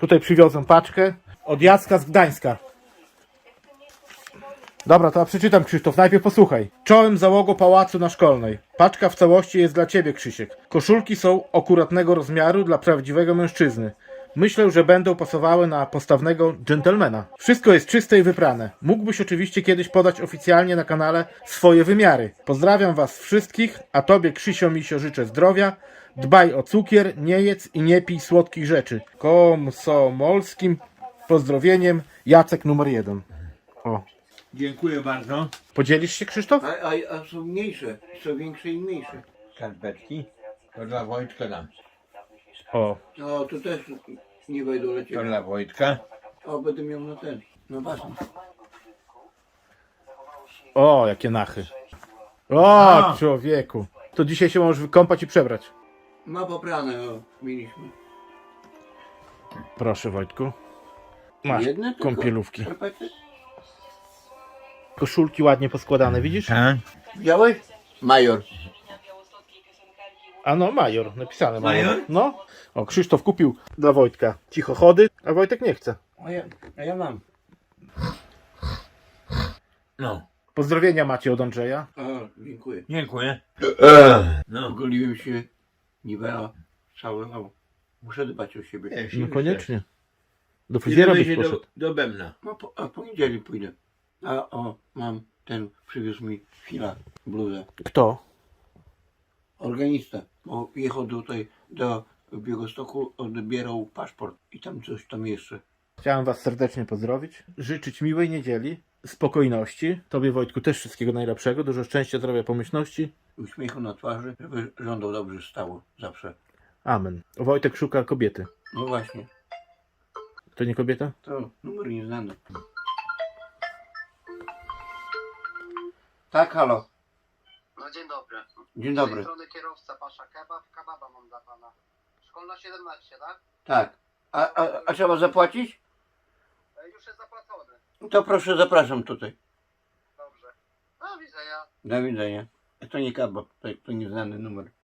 Tutaj przywiozłem paczkę od Jacka z Gdańska. Dobra, to ja przeczytam, Krzysztof, najpierw posłuchaj. Czołem załogo pałacu na Szkolnej. Paczka w całości jest dla ciebie, Krzysiek. Koszulki są akuratnego rozmiaru dla prawdziwego mężczyzny. Myślę, że będą pasowały na postawnego dżentelmena. Wszystko jest czyste i wyprane. Mógłbyś oczywiście kiedyś podać oficjalnie na kanale swoje wymiary. Pozdrawiam was wszystkich, a tobie, Krzysio Misio, życzę zdrowia. Dbaj o cukier, nie jedz i nie pij słodkich rzeczy. Komsomolskim pozdrowieniem, Jacek numer 1. O. Dziękuję bardzo. Podzielisz się, Krzysztof? A są mniejsze, są większe i mniejsze. Skarpetki. To dla Wojtka dam. O. No to też nie wejdą To lecieć. dla Wojtka. O, będę miał na ten, na basen. O, jakie nachy. O, człowieku. To dzisiaj się możesz wykąpać i przebrać. Ma poprane, o, mieliśmy. Proszę, Wojtku. Masz Jedne tylko kąpielówki. skarpety? Koszulki ładnie poskładane, widzisz? Tak. Widziałeś? Major. A no, major, napisane major. Major? No. O, Krzysztof kupił dla Wojtka cichochody, a Wojtek nie chce. A ja mam. No. Pozdrowienia macie od Andrzeja. O, dziękuję. Dziękuję. No. Ogoliłem się, niwela, cały, o. Muszę dbać o siebie. No koniecznie. Do Kiedy fryzjera byś będzie poszedł. do Bębna. No, a poniedziałek pójdę. A o, mam ten, przywiózł mi Fila, bluzę. Kto? Organista, bo jechał tutaj do Białegostoku, odbierał paszport i tam coś tam jeszcze. Chciałem was serdecznie pozdrowić. Życzyć miłej niedzieli, spokojności. Tobie, Wojtku, też wszystkiego najlepszego. Dużo szczęścia, zdrowia, pomyślności. Uśmiechu na twarzy, żeby żądał dobrze stało zawsze. Amen. Wojtek szuka kobiety. No właśnie, To nie kobieta? to numer nieznany. Tak, halo. No dzień dobry. Dzień Z dobry. tej strony kierowca Pasza Kebab. Kebaba mam dla pana. Szkolna 17, tak? Tak. A trzeba zapłacić? Już jest zapłacony. To proszę, zapraszam tutaj. Dobrze. Do widzenia. Do widzenia. To nie kabab, to nieznany numer.